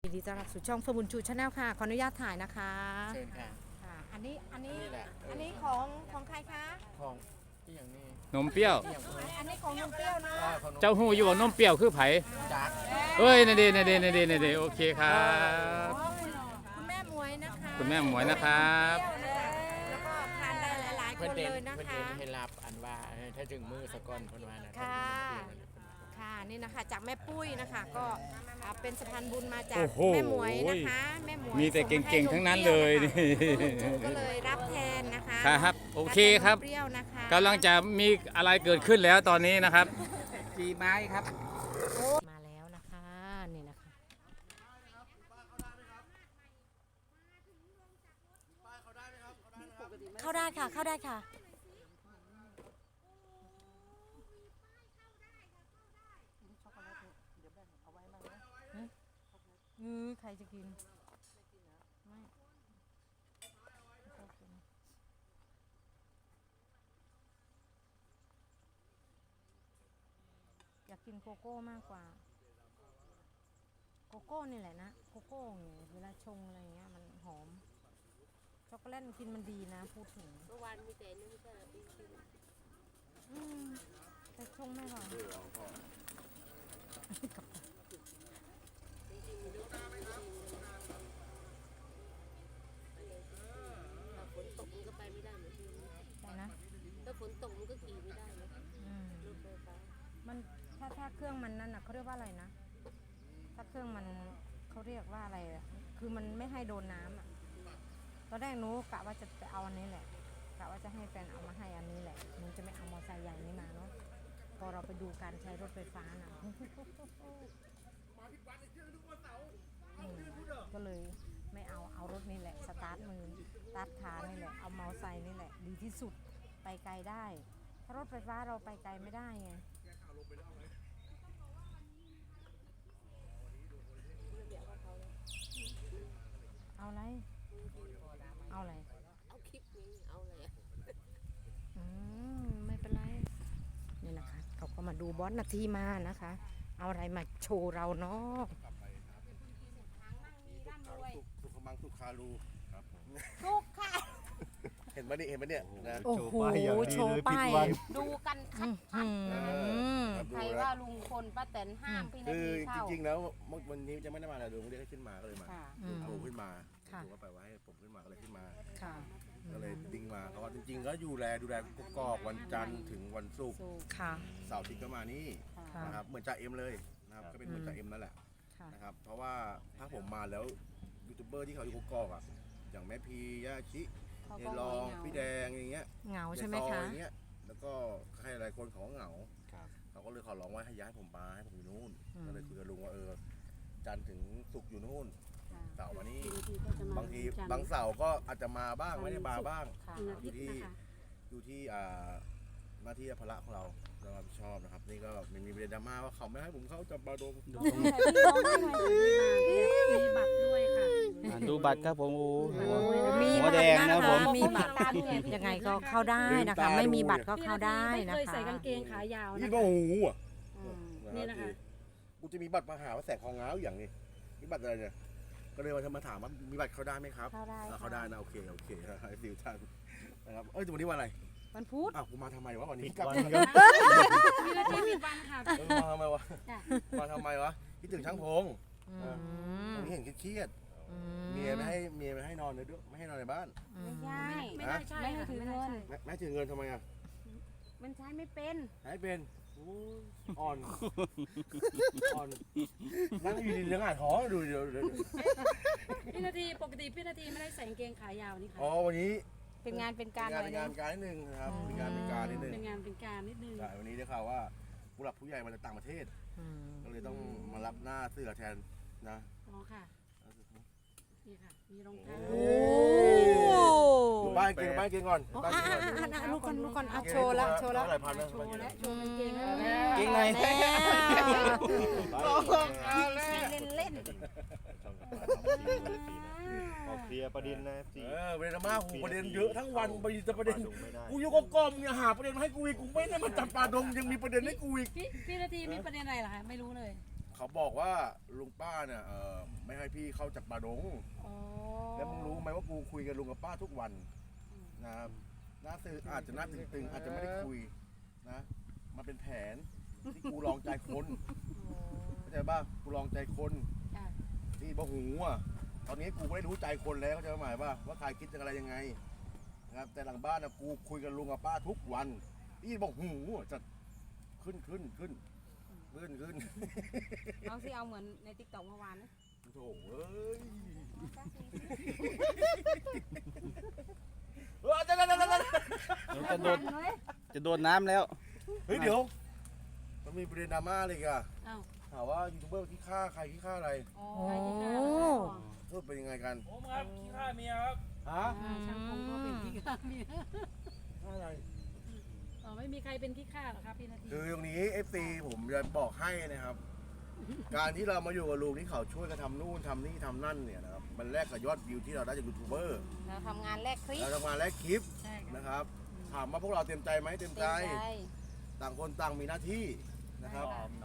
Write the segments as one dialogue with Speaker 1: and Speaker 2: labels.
Speaker 1: ยินดีต้อนรับสู่ช่องเฟอร์บุญชูชาแนลค่ะขออนุญาตถ่ายนะคะ
Speaker 2: เชิญค่ะ
Speaker 1: ค่ะอันนี้
Speaker 2: นี่แหละ
Speaker 1: อันนี้ของใครคะ
Speaker 2: ของที่อย่างนี้
Speaker 3: นมเปรี้ยว
Speaker 2: ที่อย่างนี้
Speaker 1: อันนี้ของนมเปรี้ยวเนาะ
Speaker 2: ของนม
Speaker 3: เจ้าหู้อยู่ว่านมเปรี้ยวคือไผ
Speaker 2: จัก
Speaker 3: เอ้ยนี่ดีนี่ดีนี่ดีนี่ดีโอเคครับ
Speaker 1: คุณแม่หมวยนะคะ
Speaker 3: คุณแม่หมวยนะครับ
Speaker 1: เปรี้ยวนะคะแล้วก็ทานได้หลายๆค
Speaker 2: เพื่อน
Speaker 1: น
Speaker 2: เด่น
Speaker 1: เลยนะ
Speaker 2: เพื่อน
Speaker 1: คะ
Speaker 2: เด่นให้รับอันว่าถ้าถึงมือสะก้อนเพื่อนว่านะ
Speaker 1: ค่ะ ค่ะนี่นะคะจากแม่ปุ้ยนะคะก็เป็นสะพานบุญมาจาก
Speaker 3: โอ้โห
Speaker 1: แม่หมวยนะคะแม่หมวย
Speaker 3: มีแต่
Speaker 1: ส่งาให้
Speaker 3: เก่งๆทั้งนั้นเลยนี่
Speaker 1: ลุงก็เลยรับแทนนะคะ
Speaker 3: ครับโอเคครับ
Speaker 1: เปรี้ยวนะคะ
Speaker 3: กำลังจะมีอะไรเกิดขึ้นแล้วตอนนี้นะครับ
Speaker 2: จีไม้ครับ
Speaker 1: มาแล้วนะคะนี่นะคะเข้าได้ค่ะเข้าได้ค่ะใครจะกินไม่อยากกินโกโก้มากกว่าโกโก้นี่แหละนะโกโก้เนี่ยเวลาชงอะไรเงี้ยมันหอมช็อกโกแลตกินมันดีนะพูดถึง
Speaker 4: เมื่อวานมีแต่นี่ไม่ใช่เหรอพี่ชิม
Speaker 1: แต่ชงไม่หรอก
Speaker 4: ถ้าฝนตกมันก็ไปไม่ได้เหมือนที่นี่
Speaker 1: ใช่นะ
Speaker 4: ถ้าฝนตกมันก็ขี่ไม่ได้นะ
Speaker 1: อืม
Speaker 4: รถไฟฟ้า
Speaker 1: มันถ้าเครื่องมันนั่นน่ะเขาเรียกว่าอะไรนะถ้าเครื่องมันเขาเรียกว่าอะไรอะคือมันไม่ให้โดนน้ำอ่ะตอนแรกหนูกะว่าจะไปเอาอันนี้แหละกะว่าจะให้แฟนเอามาให้อันนี้แหละหนูจะไม่เอามอเตอร์ไซค์ใหญ่นี้มาเนาะพอเราไปดูการใช้รถไฟฟ้าน่ะก็เลยไม่เอารถนี่แหละสตาร์ทมือสตาร์ทขานี่แหละเอามอเตอร์ไซค์นี่แหละดีที่สุดไปไกลได้ถ้ารถไฟฟ้าเราไปไกลไม่ได้ไงเอาอะไรเอาอะไร
Speaker 4: เอาคลิปนี้เอาอะไรอะ
Speaker 1: ไม่เป็นไรนี่นะคะเขาก็มาดูบอสนาทีมานะคะ เอาอะไรมาโชว์เราเนาะ
Speaker 5: สุขมังสุขารูครับผม
Speaker 1: ทุกค่ะ
Speaker 5: เห็นไหมนี่เห็นไหมเนี่ยนะ
Speaker 1: โอ้โหโชว์ป้าย
Speaker 4: ดูกันชัด
Speaker 5: ครับ
Speaker 4: ๆ
Speaker 5: ดู
Speaker 4: ใคร
Speaker 5: แล้
Speaker 4: ว่าว ลุงพลป้าแตนห้ามพี่นา
Speaker 5: คือ
Speaker 4: ที
Speaker 5: จ
Speaker 4: เข้า
Speaker 5: ริงๆแล้ววันนี้จะไม่ได้มาแล้วดูไม่ได้ขึ้นมาก็เลยมา
Speaker 4: ค่ะ
Speaker 5: โทรขึ้นมา
Speaker 1: ค่ะ
Speaker 5: ถูกว่าไปว่าให้ผมขึ้นมาก็เลยขึ้นมา
Speaker 1: ค่ะ
Speaker 5: ก็เลยดิ้งมาเพราะว่าจริงๆก็ดูแลกกอกวันจันทร์ถึงวันศุกร์
Speaker 1: ค่ะ
Speaker 5: เสาร์อาทิตย์ก็มานี่
Speaker 1: ค่ะ
Speaker 5: นะครับเหมือนจ่าเอ็มเลยนะครับก็เป็นเหมือนจ่าเอ็มนั่นแหละ
Speaker 1: ค่ะ
Speaker 5: นะครับเพราะว่าถ้าผมมาแล้วยูทูบเบอร์ที่เขาอยู่กกอกอ่ะอย่างแม่พีย่าชิ
Speaker 4: เขา
Speaker 5: เอ
Speaker 4: ก็
Speaker 5: ลอง
Speaker 4: เหงา
Speaker 5: พี่แดงอย่างเงี้ย
Speaker 1: เหงาใช่ไหม
Speaker 5: ยายซ
Speaker 1: คะ
Speaker 5: อยอย่างเงี้ยแล้วก็ใครหลายคนเขาก็เหงาเขาก็เลยขอร้องว่าให้ย้ายผมมาให้ผมอยู่นู่นก็เลยคุยกับลุงว่าจันทร์ถึงศุกร์อยู่นู่นเสาร์มานี่
Speaker 4: บางทีก็จะมา
Speaker 5: บางที
Speaker 4: จันทร์
Speaker 5: บางเสาร์ก็อาจจะมาบ้างไม่ได้มาบ้าง
Speaker 1: ค่ะ
Speaker 4: วันอาทิตย์นะคะ
Speaker 5: อยู่ที่หน้าที่ภาระของเรารับผิดชอบนะครับนี่ก็มีประเด็นดราม่าว่าเขาไม่ให้ผมเข้าจับบาดง
Speaker 4: มีบัตรด้วยค่ะ
Speaker 3: ดูบัตรครับผมโอ้
Speaker 1: มี
Speaker 3: หัว
Speaker 1: บัต
Speaker 3: แด
Speaker 1: รง
Speaker 3: นะ
Speaker 1: นะ
Speaker 3: ผ
Speaker 1: คะ
Speaker 3: ม
Speaker 1: มีบัตรยังไงก็เข้าได้นะคะ ไม่มีบัตรก็เข้าได้
Speaker 6: ไม่
Speaker 1: นะ
Speaker 6: เคย
Speaker 1: คะ
Speaker 6: ใส่กางเกงขายาว
Speaker 5: นี่
Speaker 6: นะ
Speaker 5: ก็
Speaker 6: คะ
Speaker 5: โอ้โหอ่ะ
Speaker 6: นี่นะคะ
Speaker 5: กูจะมีบัตรมาหาว่าแสกคองง้าวอย่างนี้มีบัตรอะไรเนี่ยก็เลยมาถามว่ามีบัตรเข้าได้ไหมครับ
Speaker 1: เข้าได้
Speaker 5: เข้าได้นะโอเคให้ฟิวท่านนะครับแต่วันนี้วันอะไร
Speaker 1: วันพุธ
Speaker 5: อ้าวกูมาทำไมวะวันนี้กลับ
Speaker 6: มีนาทีมีวันค่ะ
Speaker 5: มาทำไมวะ
Speaker 6: จ้ะ
Speaker 5: มาทำไมวะคิดถึงช่างพง วันนี้เห็นเครียดๆเมียไม่ให้นอนเลยด้วยไม่ให้นอนในบ้าน
Speaker 4: ไม่ใช่
Speaker 6: ไม่ได้ใช่
Speaker 4: ไม่ให้
Speaker 6: ค่ะ
Speaker 4: ถือ
Speaker 6: ไม่
Speaker 4: เงิ
Speaker 6: ได้
Speaker 4: น
Speaker 6: ใช่
Speaker 5: แม่ถือเงินทำไมอ่ะ
Speaker 4: มันใช้ไม่เป็น
Speaker 5: ให้เป็นโอ้ยอ่อนนั่งอยู่ดีๆยังอ่านท้องดูเดี๋ยว
Speaker 6: พี่นาทีปกติพี่นาทีไม่ได้ใส่กางเกงขายาวนี่ค่ะ
Speaker 5: อ๋อวันนี้
Speaker 1: เป็นงานเป็นการ
Speaker 5: เป็นงานนิดนึงนะครับเป็นงานเป็นการนิดนึง
Speaker 6: เป็นงานเป็นการนิดนึง
Speaker 5: ใช่วันนี้ได้ข่าวว่าผู้หลักผู้ใหญ่มาจากต่างประเทศ ก็เลยต้องมารับหน้าเสื้อแทนนะ
Speaker 6: อ๋อค่ะนี่ค่ะมีรองเท้า
Speaker 1: โอ้
Speaker 5: บ้านกินก่อนบ้านกินก่อน
Speaker 1: ลูกก่อนโชว์แล้ว
Speaker 5: หลายพันนะ
Speaker 6: โชว์และโชว์กางเกงแล้ว
Speaker 3: เก่งไหน
Speaker 1: เล่น
Speaker 7: ออกเคลียร์ประเด็นนะสิ
Speaker 5: ประเด็นดราม่าประเด็นเยอะทั้งวันไปแต่ประเด็นกูอยู่กับกอมเนี่ยหาประเด็นมาให้กูอีกกูไม่ได้มาจับปลาดงยังมีประเด็นให้กูอีก
Speaker 6: พี่นาทีมีประเด็นอะไรเหรอคะไม่รู้เลย
Speaker 5: กเขาบอกว่าลุงป้าเนี่ยไม่ให้พี่เข้าจากป่าดง
Speaker 4: โอ้
Speaker 5: แล้วมึงรู้ไหมว่ากูคุยกับลุงกับป้าทุกวันนะครับหน้าสื่ออาจจะหน้าตึงๆอาจจะไม่ได้คุยนะมันเป็นแผนที่กูลองใจคนเข้าใจป่ะกูลองใจคน
Speaker 4: จ้ะ
Speaker 5: ที่บ่หูอ่ะตอนนี้กูไม่ได้รู้ใจคนแล้วเข้าใจหมายป่ะว่าใครคิดจะอะไรยังไงนะครับแต่หลังบ้านนะกูคุยกับลุงกับป้าทุกวันที่บอกหูจะขึ้น
Speaker 4: เอาสิเอาเหมือนในติ๊กต็อกเมื่อวานนะ
Speaker 5: โถ่เอ้ยจะ
Speaker 3: จะโดนจะโดนน้ำแล้ว
Speaker 5: เฮ้ยเดี๋ยวมันมีประเด็นดราม่าเลยอ่ะ
Speaker 4: เอ้า
Speaker 5: ถามว่ายูทูบเบอร์ขี้ข้าใครขี้ข้าอะไร
Speaker 4: โอ้
Speaker 1: โอ้
Speaker 4: ใครที่ฆ่า
Speaker 5: พูดเป็นยังไงกัน
Speaker 2: ผมครับขี้ข้าเมียครับ
Speaker 5: ฮะ
Speaker 4: ช่างคงก็เป็นที่ฆ่าเมีย
Speaker 5: ข้าอะไร
Speaker 6: อ๋อไม่มีใครเป็นขี้ข้าหรอครับพี่นาที
Speaker 5: คือตรงนี้ FC ผมจะบอกให้นะครับ การที่เรามาอยู่กับลุงที่เขาช่วยกันทำนู่นทำนี่ทำนั่นเนี่ยนะครับมันแลกกับยอดวิวที่เราได้จากยูทูบเบอร์
Speaker 4: เราทำงานแลกคลิป
Speaker 5: เราทำงานแลกคลิป
Speaker 6: ใช่ค่ะ
Speaker 5: นะครับ ถามว่าพวกเราเต็มใจไหมเต็มใจ
Speaker 4: เต็มใจ
Speaker 5: ต่างคนต่างมีหน้าที่นะครับ
Speaker 4: ใช่ค่ะ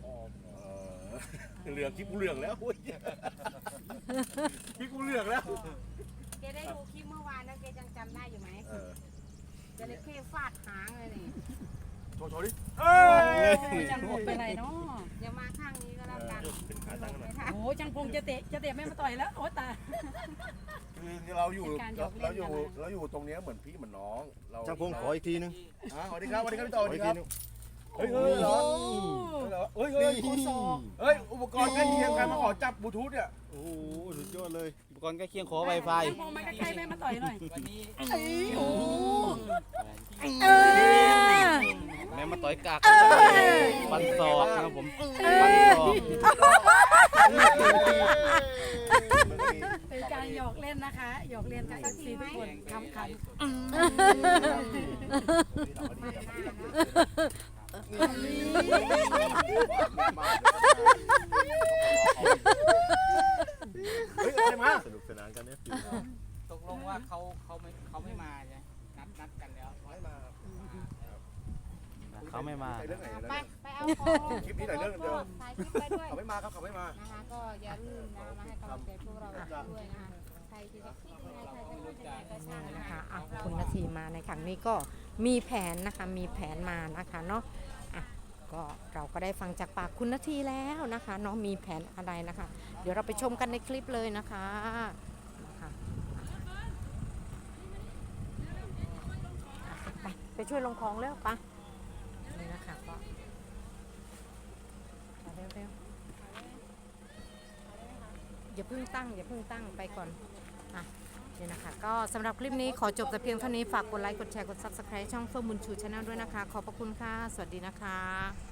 Speaker 5: เหลืองคลิปกูเหลืองแล้ว อุ๊ยคลิปกูเหลืองแล้ว
Speaker 4: แกได้ดูคลิปเมื่อวานแล้วแกยังจำได้อยู่ไหม
Speaker 5: เออ
Speaker 4: จระเข้ฟาดหางเลยนี่
Speaker 5: โชว์ดิ
Speaker 6: โอ้ยจังพงเป็นไรเนาะ
Speaker 4: เดี๋ยวมาข้างนี้ก็แล้วกัน
Speaker 5: เป็นขาตั้งหน่อย
Speaker 6: โอ้ยจังพงจะเตะแม่มาต่อยแล้วโอ้ตาย
Speaker 5: คือเราอยู่
Speaker 6: เป็นการหยอกเล่นกันนะ
Speaker 5: เราอยู่ตรงเนี้ยเหมือนพี่เหมือนน้องเรา
Speaker 7: ช่างพงขออีกทีนึง
Speaker 5: สวัสดีครับสวัสดีครับพี่ต่อส
Speaker 7: ขอ
Speaker 5: วัส
Speaker 7: อี
Speaker 5: ดี
Speaker 7: ก
Speaker 5: ค
Speaker 7: ที
Speaker 5: รับ
Speaker 7: นึง
Speaker 5: เฮ้ยเหรอเฮ้ยเฮ้ยอุปกรณ์ใกล้เคียงใครมาขอจับบลูทูธเนี่ย
Speaker 7: โอ้โหสุดยอดเลย
Speaker 3: อุปกรณ์ใกล้เคียงขอ Wi-Fi
Speaker 6: จังพงมาใกล้ๆแม่มาต่อยหน่อย
Speaker 2: วันนี้
Speaker 6: โอ้
Speaker 3: แม่มาต่อยกากฟันศอกนะครับผมฟันศอก
Speaker 6: เป็นการหยอกเล่นนะคะหยอกเล่นกับ FC ทุกคนขำขัน
Speaker 5: เฮ้ยอะไรมา
Speaker 7: สนุกสนานกันเนี่ย
Speaker 2: ตกลงว่าเขาไม่มาใช่นัดกันแล้ว
Speaker 5: ไม่มา
Speaker 3: เขาไม่มา
Speaker 5: เรื่องไหน
Speaker 4: ไป
Speaker 5: นะ
Speaker 4: ไปเอาของ
Speaker 5: คลิปนี้ไหนเรื่องเดิม
Speaker 4: ถ่ายคลิปไปด้วย
Speaker 5: เขาไม่มาครับเขาไม่มา
Speaker 4: นะคะก็อย่าลืมนะคะมาให้กำลังใจพวกเราด้วยนะคะใครจะคิดยังไงใครจะพูดยังไงก็ช่างนะ
Speaker 1: นะคะ คะอ่ะคุณนาทีมาในครั้งนี้ก็มีแผนนะคะมีแผนมานะคะเนาะอ่ะก็เราก็ได้ฟังจากปากคุณนาทีแล้วนะคะเนาะมีแผนอะไรนะคะ เดี๋ยวเราไปชมกันในคลิปเลยนะคะนะคะไปช่วยลงของแล้วปะนี่นะคะก็เร็วๆอย่าเพิ่งตั้งไปก่อนอ่ะ เนี่ยนะคะก็สำหรับคลิปนี้ขอจบแต่เพียงเท่านี้ฝากกดไลค์กดแชร์กด Subscribe ช่องเฟิร์มบุญชูชาแนลด้วยนะคะ ขอบพระคุณค่ะ สวัสดีนะคะ